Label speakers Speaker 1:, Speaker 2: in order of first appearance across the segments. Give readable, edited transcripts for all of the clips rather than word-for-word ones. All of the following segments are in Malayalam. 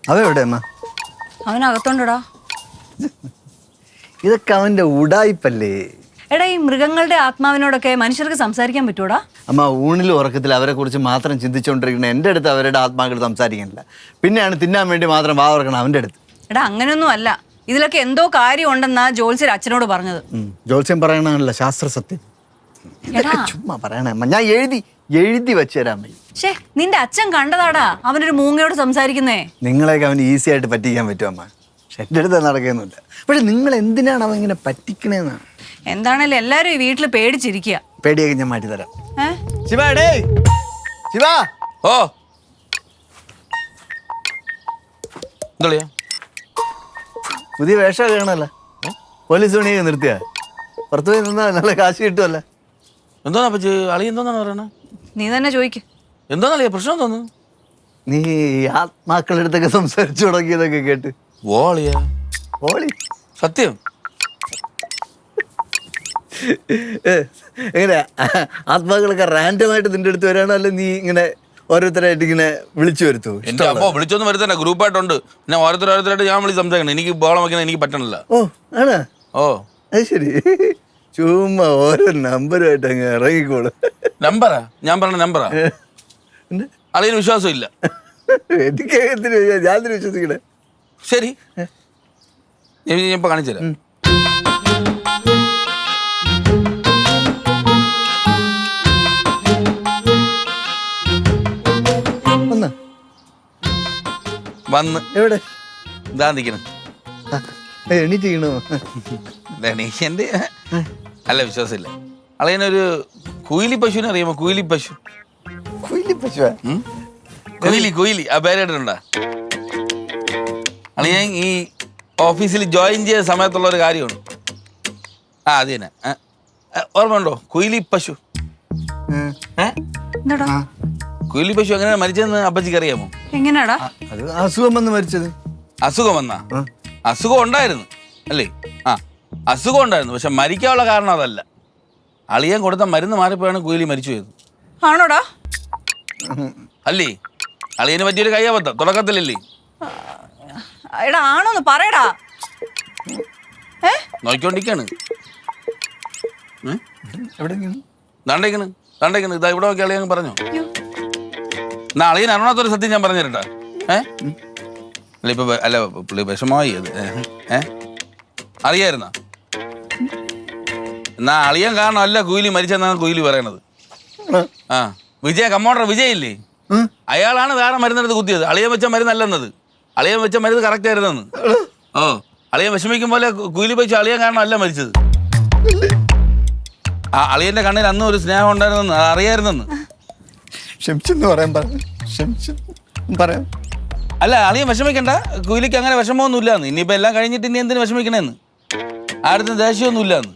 Speaker 1: അവെവിടെ അമ്മ?
Speaker 2: അവനകത്തോണ്ടടാ.
Speaker 1: ഇതൊക്കെ അവന്റെ ഉടായിപ്പല്ലേ.
Speaker 2: എടാ, ഈ മൃഗങ്ങളുടെ ആത്മാവിനോടൊക്കെ മനുഷ്യർക്ക് സംസാരിക്കാൻ പറ്റൂടാ?
Speaker 1: അമ്മ, ഊണിലും ഉറക്കത്തിൽ അവരെ കുറിച്ച് മാത്രം ചിന്തിച്ചുകൊണ്ടിരിക്കുന്ന എൻ്റെ അടുത്ത് അവരുടെ ആത്മാക്കൾ സംസാരിക്കുന്നില്ല. പിന്നെയാണ് തിന്നാൻ വേണ്ടി മാത്രം വാ തുറക്കണം അവൻ്റെ അടുത്ത്.
Speaker 2: എടാ, അങ്ങനെയൊന്നും അല്ല. ഇതിലൊക്കെ എന്തോ കാര്യം ഉണ്ടെന്നാ ജോത്സ്യർ അച്ഛനോട് പറഞ്ഞത്.
Speaker 1: ജോത്സ്യം പറയണല്ല, ശാസ്ത്ര സത്യം. ഇതൊക്കെ ചുമ്മാ പറയണേ അമ്മ. ഞാൻ എഴുതി വെച്ചു തരാൻ മതി.
Speaker 2: ഷേ, നിന്റെ അച്ഛൻ കണ്ടതാടാ അവനൊരു മൂങ്ങയോട് സംസാരിക്കുന്നേ.
Speaker 1: നിങ്ങളെയൊക്കെ അവന് ഈസി ആയിട്ട് പറ്റിക്കാൻ പറ്റും അമ്മ. പക്ഷെ എൻ്റെ അടുത്ത് നടക്കുന്നില്ല. പക്ഷെ നിങ്ങൾ എന്തിനാണ് അവൻ ഇങ്ങനെ പറ്റിക്കണേന്നാണ്.
Speaker 2: എന്താണേലും എല്ലാരും ഈ വീട്ടിൽ പേടിച്ചിരിക്കുക.
Speaker 1: പേടിയൊക്കെ ഞാൻ മാറ്റി തരാം. ശിവ, ശിവ.
Speaker 3: ഓ എന്താ
Speaker 1: പുതിയ വേഷം കാണല്ലോ. പോലീസ് പണിയൊക്കെ നിർത്തിയ പുറത്തു പോയി നിന്നാ നല്ല കാശ് കിട്ടുമല്ലോ.
Speaker 3: എന്തോന്നാ പറ്റി? അളി എന്തോന്നാണ് പറയണേ?
Speaker 2: നീ തന്നെ ചോദിക്ക്.
Speaker 3: എന്തോന്നളിയ പ്രശ്നം തോന്നുന്നു?
Speaker 1: നീ ആത്മാക്കളുടെ അടുത്തൊക്കെ സംസാരിച്ചു തുടങ്ങിയതൊക്കെ കേട്ട്.
Speaker 3: ഓളിയാ?
Speaker 1: ഓളി
Speaker 3: സത്യം?
Speaker 1: എങ്ങനെ ആത്മാക്കളൊക്കെ റാൻഡമായിട്ട് നിന്റെ അടുത്ത് വരാണോ, അല്ലെ നീ ഇങ്ങനെ ഓരോരുത്തരായിട്ട് ഇങ്ങനെ വിളിച്ചു വരുത്തൂ?
Speaker 3: എന്റെ അപ്പോ വിളിച്ചൊന്നും വരുത്തണ്ട, ഗ്രൂപ്പായിട്ടുണ്ട്. പിന്നെ ഓരോരുത്തരായിട്ട് ഞാൻ വിളിച്ച് സംസാരിക്കണം. എനിക്ക് ബോളം വയ്ക്കാൻ എനിക്ക് പറ്റണില്ല.
Speaker 1: ഓ ആണോ?
Speaker 3: ഓ
Speaker 1: അത് ശരി. ചുമ്മാ ഓരോ നമ്പറുമായിട്ട് അങ്ങ് ഇറങ്ങിക്കോളൂ.
Speaker 3: നമ്പറാ? ഞാൻ പറഞ്ഞ നമ്പറാ? അളിയന് വിശ്വാസം ഇല്ല.
Speaker 1: എനിക്ക് ഞാൻ വിശ്വസിക്കണേ.
Speaker 3: ശരി, ഞാൻ ഇപ്പൊ കാണിച്ചു തരാം. വന്ന്
Speaker 1: എവിടെ?
Speaker 3: ഇതാ നിൽക്കണം.
Speaker 1: എണീറ്റീണോ?
Speaker 3: എണീക്കൻ്റെ അല്ല, വിശ്വാസമില്ല. അളിയനൊരു കുയിലി പശുവിനെ അറിയാമോ? കുയിലി പശു.
Speaker 1: കുയിലി പശുവാ?
Speaker 3: കുയിലി ആ പേരായിട്ടുണ്ടാ? അളിയൻ ഈ ഓഫീസിൽ ജോയിൻ ചെയ്ത സമയത്തുള്ള ഒരു കാര്യമാണ്. അത് തന്നെ. ഓർമ്മയുണ്ടോ? കുയിലി പശു. കുയിലി പശു എങ്ങനെയാ മരിച്ചതെന്ന് അപ്പച്ചിക്ക് അറിയാമോ?
Speaker 2: എങ്ങനെയാടാ?
Speaker 1: അത് അസുഖം വന്ന് മരിച്ചത്.
Speaker 3: അസുഖം വന്നാ? അസുഖം ഉണ്ടായിരുന്നു അല്ലേ? അസുഖം ഉണ്ടായിരുന്നു, പക്ഷെ മരിക്കാനുള്ള കാരണം അതല്ല. അളിയൻ കൊടുത്ത മരുന്ന് മാറിപ്പോയാണ് കുയിലി മരിച്ചു പോയത്.
Speaker 2: ആണോടാ?
Speaker 3: അല്ലേ? അളിയന് പറ്റിയൊരു കയ്യാബദ്ധം തുടക്കത്തിലല്ലേ?
Speaker 2: എടാ, ആണോന്ന് പറയടാ.
Speaker 3: നോക്കിക്കൊണ്ടിരിക്കാണ്. ദാണ്ടേക്കണ് ഇതാ ഇവിടെ നോക്കി അളിയൻ പറഞ്ഞോ. എന്നാ അളിയൻ അറിയണത്തൊരു സത്യം ഞാൻ പറഞ്ഞു തരട്ടാ. അല്ല ഇപ്പൊ അല്ല പുള്ളി വിഷമമായി അത്. അറിയായിരുന്ന? എന്നാ അളിയൻ കാരണം അല്ല കുയിലി മരിച്ചെന്നാണ് കുയിലി പറയണത്. കമ്മോണ്ടർ വിജയ് ഇല്ലേ, അയാളാണ് വേറെ മരുന്നെടുത്ത് കുത്തിയത്. അളിയൻ വെച്ച മരുന്നല്ലെന്നത്. അളിയൻ വെച്ച മരുന്ന് കറക്റ്റ് ആയിരുന്നെന്ന്. അളിയൻ വിഷമിക്കും പോലെ കുയിലി വെച്ച് അളിയൻ കാരണം അല്ല മരിച്ചത്. അളിയന്റെ കണ്ണിൽ അന്ന് ഒരു സ്നേഹം ഉണ്ടായിരുന്നെന്ന് അറിയായിരുന്നെന്ന്.
Speaker 1: പറയാം.
Speaker 3: അല്ല, അളിയൻ വിഷമിക്കണ്ട. കുയിലിക്ക് അങ്ങനെ വിഷമമൊന്നും ഇല്ലാന്ന്. ഇനിയിപ്പോ എല്ലാം കഴിഞ്ഞിട്ട് ഇനി എന്തിനു വിഷമിക്കണേന്ന്? ആരുടെ ദേഷ്യമൊന്നും ഇല്ലാന്ന്.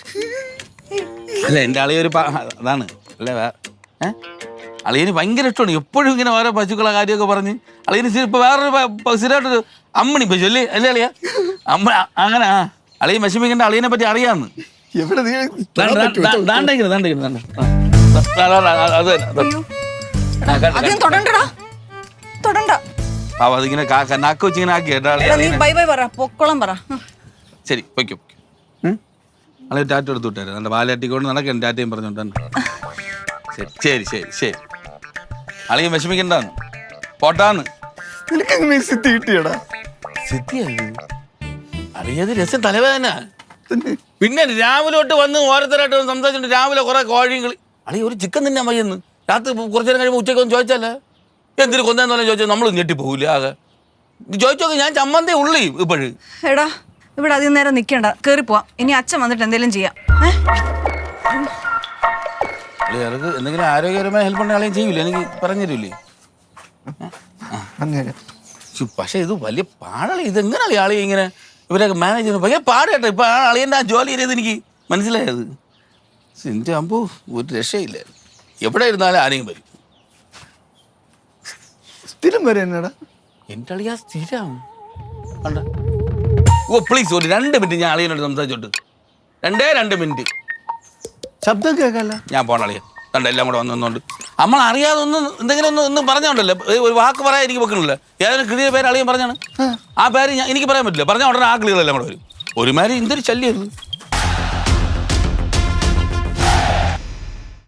Speaker 3: അല്ല, എൻ്റെ അളിയൊരു അതാണ് അല്ലേ. അളിയന് ഭയങ്കര ഇഷ്ടമാണ്. എപ്പോഴും ഇങ്ങനെ ഓരോ പശുക്കളെ കാര്യമൊക്കെ പറഞ്ഞ് അളിയന് ഇപ്പൊ വേറൊരു സ്ഥിരമായിട്ടൊരു അമ്മണി പശു അല്ലേ അളിയ? അമ്മ അങ്ങനെ. അളിയൻ വിഷമിക്കേണ്ട, അളിയനെ പറ്റി അറിയാന്ന്. അതിങ്ങനെ നാക്ക് വെച്ചിങ്ങനെ ആക്കി കേട്ടോ. ശരി, പൊയ്ക്കോ. അളിയ ടാറ്റ എടുത്ത് വിട്ടാரு. നല്ല വാലാട്ടിക്കൊണ്ട് നടക്കാൻ ടാറ്റയും പറഞ്ഞോണ്ട്. ശരി ശരി ശരി. അളിയൻ വിഷമിക്കണ്ടാന്ന് പോട്ടാന്ന്. അളിയത് രസം തലവേദന. പിന്നെ രാവിലെ തൊട്ട് വന്ന് ഓരോരുത്തരായിട്ട് സംസാരിച്ചിട്ട് രാവിലെ കുറെ കോഴികൾ. അളിയ ഒരു ചിക്കൻ തിന്നാൻ വയ്യെന്ന്. രാത്രി കുറച്ചു നേരം കഴിയുമ്പോൾ ഉച്ചയ്ക്ക് ഒന്ന് ചോദിച്ചാലേ എന്തിനു കൊന്നേന്ന് പറഞ്ഞാൽ ചോദിച്ചാൽ നമ്മൾ ഞെട്ടിപ്പോകില്ല. ആകെ ചോദിച്ചോക്കെ ഞാൻ ചമ്മന്തേ ഉള്ളി ഇപ്പോഴും.
Speaker 2: എടാ, ഇവിടെ അധികം നേരം നിൽക്കണ്ട, കയറി പോവാം. ഇനി അച്ഛൻ വന്നിട്ട് എന്തെങ്കിലും ചെയ്യാം.
Speaker 3: അളിയർക്ക് എന്തെങ്കിലും ആരോഗ്യപരമായ ഹെൽപ്പ് ഉണ്ടെങ്കിൽ അളിയൻ ചെയ്യൂലേ? എനിക്ക് പറഞ്ഞു തരൂലേ? പക്ഷെ ഇത് വലിയ പാടളി. ഇതെങ്ങനെ അളി ഇങ്ങനെ ഇവരൊക്കെ മാനേജ് ചെയ്യുന്നത് ഭയങ്കര പാട് കേട്ടോ. ഇപ്പൊ അളിയൻ്റെ ആ ജോലി ചെയ്തത് എനിക്ക് മനസ്സിലായത്. എൻ്റെ അമ്പോ ഒരു രക്ഷയില്ല. എവിടെ ഇരുന്നാലും ആരെങ്കിലും വരും.
Speaker 1: സ്ഥിരം വരെ എന്നടാ
Speaker 3: എൻ്റെ അളിയാ സ്ഥിരം കണ്ട. ഓ പ്ലീസ് ഒരു 2 മിനിറ്റ് ഞാൻ അളിയനോട് സംസാരിച്ചോട്ട്. 2 മിനിറ്റ്
Speaker 1: ശബ്ദം കേൾക്കല്ല.
Speaker 3: ഞാൻ പോണ അളിയ. കണ്ട എല്ലാം കൂടെ വന്നുകൊണ്ട് നമ്മൾ അറിയാതെ ഒന്ന് എന്തെങ്കിലും ഒന്നും പറഞ്ഞോണ്ടല്ലോ ഒരു വാക്ക് പറയാൻ എനിക്ക് വെക്കണില്ല ഏതായാലും കിളിയുടെ പേര് അളിയൻ പറഞ്ഞാണ് ആ പേര് എനിക്ക് പറയാൻ പറ്റില്ല പറഞ്ഞാൽ ഉടനെ ആ കിളികളെല്ലാം കൂടെ വരും ഒരുമാതിരി എന്തൊരു ശല്യം